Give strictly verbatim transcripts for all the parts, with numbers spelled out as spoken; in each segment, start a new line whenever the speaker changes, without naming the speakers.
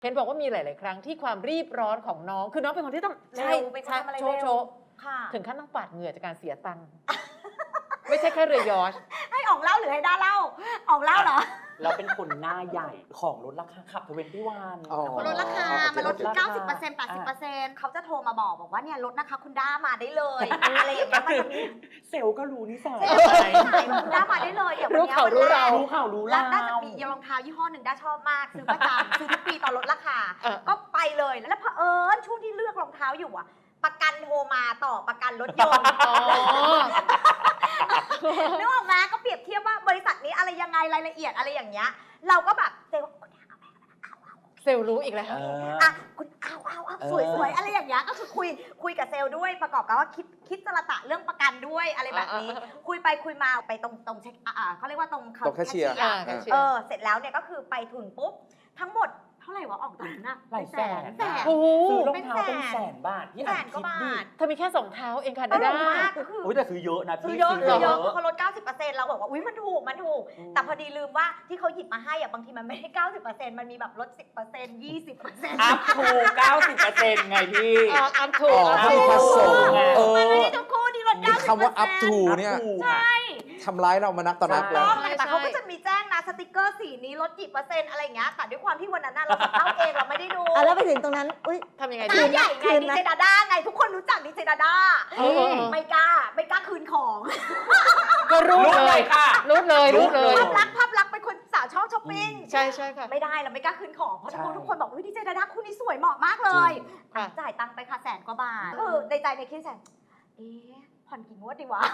เห็นบอกว่ามีหลาย ๆ ครั้งที่ความรีบร้อนของน้องคือน้องเป็นคนที่ต้องใช่
เป็นคนทำอะไร
โช
เร็
ว์
ว
โชว์
ค่ะ
ถึงขั้นต้องปาดเหงื่อจากการเสียตังค์ ไม่ใช่แค่เรือยอชต์
ให้ออกเล่าหรือให้ด้าเล่าออกเล่าเหรอ
เราเป็นคนหน้าใหญ่ของลดราคาขับทเวนตี้วัน
อ๋อ
ลดราคา มันลด
ลดราคา
เก้าสิบเปอร์เซ็นต์ แปดสิบเปอร์เซ็นต์ เขาจะโทรมาบอกบอกว่าเนี่ยลดนะคะคุณด้ามาได้เลย อะไรอย่างเงี้ยมันจะมี
เซลล์ก็รู้นิสัย
เซลล์ขายคุณด้ามาได้เลยเดี๋ยววัน
รู้
เนี้ย
เขา
วัน
รู้
แร
เรา
ก
รู้ข่าวรู้
แล้
ราว
ด้าจะมีรองเท้ายี่ห้อหนึ่งด้าชอบมากซื้อประจำ ซื้อทุกปีตอนลดราคา
เออ
ก็ไปเลยแล้วเผอิญช่วงที่เลือกรองเท้าอยู่อะประกันโทรมาต่อประกันรถยนต์
อ๋อ
นึกออกไหมก็เปรียบเทียบว่าบริษัทนี้อะไรยังไงรายละเอียดอะไรอย่างเงี้ยเราก็แบบเซลล์
เซลล์รู้อีกแล้ว
เออ
อ่ะคุณเอาเอาเอา
เออ
สวยสวยอะไรอย่างเงี้ยก็คือคุยคุยกับเซลล์ด้วยประกอบกับว่าคิดคิดจรตะเรื่องประกันด้วยอะไรแบบนี้
อ่าอ่า
คุยไปคุยมาไปตรงตรงเช็คอ่าเขาเรียกว่าตรง
ตรงแคชเชียร์
อ่าแคชเชียร์
เออเสร็จแล้วเนี่ยก็คือไปถึงปุ๊บทั้งหมดเท่าไหร่วะออกตอนนั้นอะ
หลายแสน
แสน
โอ้โห
ซื้อรองเท้าเป็นแสนบาทพี่
แส
อ่าน
กว่า
คิด
บา
ดิ
ท
เธอมีแค่สองเท้าเองค่ะ
ต
ดา
ล
ด้า
กมากก็คือ
โอ้ยแต่ซื้อเยอะนะ
ซื้
พี่
อเยอะ
ซื้
ซื้อ
อ
เย
เย
อะ
อะ
เขาลด เก้าสิบเปอร์เซ็นต์ เราบอกว่าอุ้ยมันถูกมันถูก
อืม
แต่พอดีลืมว่าที่เขาหยิบมาให้อะบางทีมันไม่ได้ เก้าสิบเปอร์เซ็นต์ มันมีแบบลด สิบเปอร์เซ็นต์ ยี่สิบเปอร์เซ็นต์
อัพทูเก้าสิบเปอร์เซ็นต์ไงพี่
อ่าอัพทู
อ๋อ
อัพ
ที่
ทู
ผสมเอ
มันไม่
อ
ได้ทุกคู่ที่ลด
มี
เก้าสิบเปอร์เซ็นต์
คำว่า up to เนี่ย
ใช่
ทำร้ายเรามานักต่อนัก
ใช่
แล้ว
ต้องแต่เขาก็จะมีแจ้งนะสติกเกอร์สีนี้ลดกี่เปอร์เซ็นต์อะไรอย่างเงี้ยแต่ด้วยความที่วันนั้นน่ะเราจะเข้าเองเราไม่ได้ดู
อ่ะแล้วไปถึงตรงนั้น อุ้ย
ทำยังไง
ห
ดี
น้าใหญ่ไง
คืน
ดี
ไหม
เจดาด้าไงทุกคนรู้จักดีเจดาด้า
เออเออเออ
ไม่กล้าไม่กล้าคืนของ
ก็รู้
รู้
เล
เลย ยค่ะ
รู้เลยรู้เลย
ภาพลักษณ์ภาพลักษณ์เป็นคนสาวชอบช้อปปิ้ง
ใช่ใช่ค่ะ
ไม่ได้เราไม่กล้าคืนของเพราะทุกคน
ใช่
ทุกคนบอกว่าดีเจดาด้าคู่นี้สวยเหมาะมากเลย
ค่ะ
จ่ายตังค์ไปค่ะแสนกว่าบาทคือในใจในคิดแสนเอ๊ะผ่อนกี่งวดดีวะ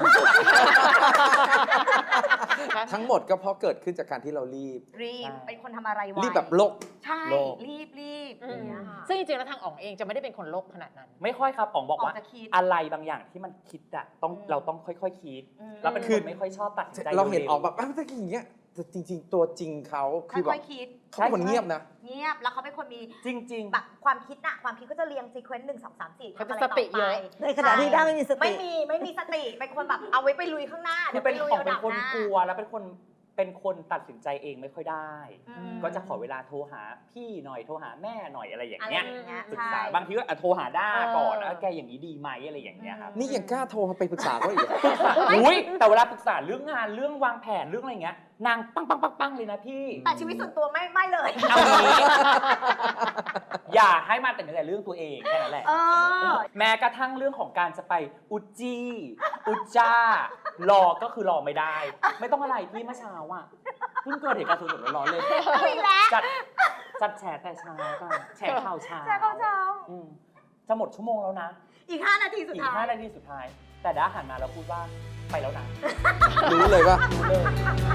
ทั้งหมดก็เพราะเกิดขึ้นจากการที่เรารีบ
รีบ
ใช่
เป็นคนทำอะไรไว
รีบแบบโลก
ใช่
โลก
รีบรีบ
อื
อ
ม
ย่างเงี้ยค่ะ
ซึ่งจริงๆแล้วทางอ๋องเองจะไม่ได้เป็นคนโลกขนาดนั้น
ไม่ค่อยครับป๋องบอกว่า
ออกจะคิด
อะไรบางอย่างที่มันคิดอะต้อง
อืม
เราต้องค่อยๆคิด
อืม
เราเป็น
คื
ค
อ
นไม่ค่อยชอบตัดสินใจ
เราเห็น
วๆ
ออกแบบอ้าวแต่อย่างเงี้ยแต่จริง ๆ ตัวจริงเขาคือแบ
ค่
บ
อยๆคิด
เขาเป็นคนเงียบนะ
เงียบแล้วเขาเป็นคนมี
จริงๆ
แบบความคิดน่ะความคิดเขาจะเรียงซีเควนต์หนึ่งสองสามสี่
เขาจะ
ทำอะไร
สติ
ต่อไป
เยอะ
ในขณะที่ด้าไม่มีสติ
ไม่มีไม่มีสติเป็นคนแบบเอาไว้ไปลุยข้างหน้า
คือเป็น
ดี๋ยว
ของ
ไปลุย
เป็นคน
ระดับหาก
ลัวแล้วเป็นคนเป็นคนตัดสินใจเองไม่ค่อยได้
อืม
ก็จะขอเวลาโทรหาพี่หน่อยโทรหาแม่หน่อยอะไรอย่าง
อะไร
เงี้
อย ย่างเงี้ย
ปรึก
ใช่
ษาบางทีก็อ่ะโทรหาด้าก่อน
เออ
แล้วแกอย่างนี้ดีไหมอะไรอย่างเงี้ยครับ
นี่ยังกล้าโทรมาไปปรึกษาเขาอีกเหรอ
อุ้ยแต่เวลาปรึกษาเรื่องงานเรื่องวางแผนเรื่องอะไรเงี้ยนางปังปังปังปังเลยนะพี่
แต่ชีวิตส่วนตัวไม่ไม่เลย
เอางี้ อย่าให้มาแต่แต่เรื่องตัวเองแค่นั้นแหละ
เออ
แม้กระทั่งเรื่องของการจะไปอุจจีอุจจารอก็คือรอไม่ได้ ไม่ต้องอะไรพี่เมื่อเช้าอ่ะเพิ่งเกิดเหตุการณ์สดๆร้อนๆเลย
เอาอีกแล้ว
จัดจัดแฉแต่เช้ากันแฉข่าวเช้า
แชร์เขาเช้า
อืมจะหมดชั่วโมงแล้วนะ
อีกห้านาทีสุด
อีก
ท้าย
ห้านาทีสุดท้าย แต่ด้าหันมาแล้วพูดว่าไปแล้วนะ
รู้เลยว่า
รู้เลย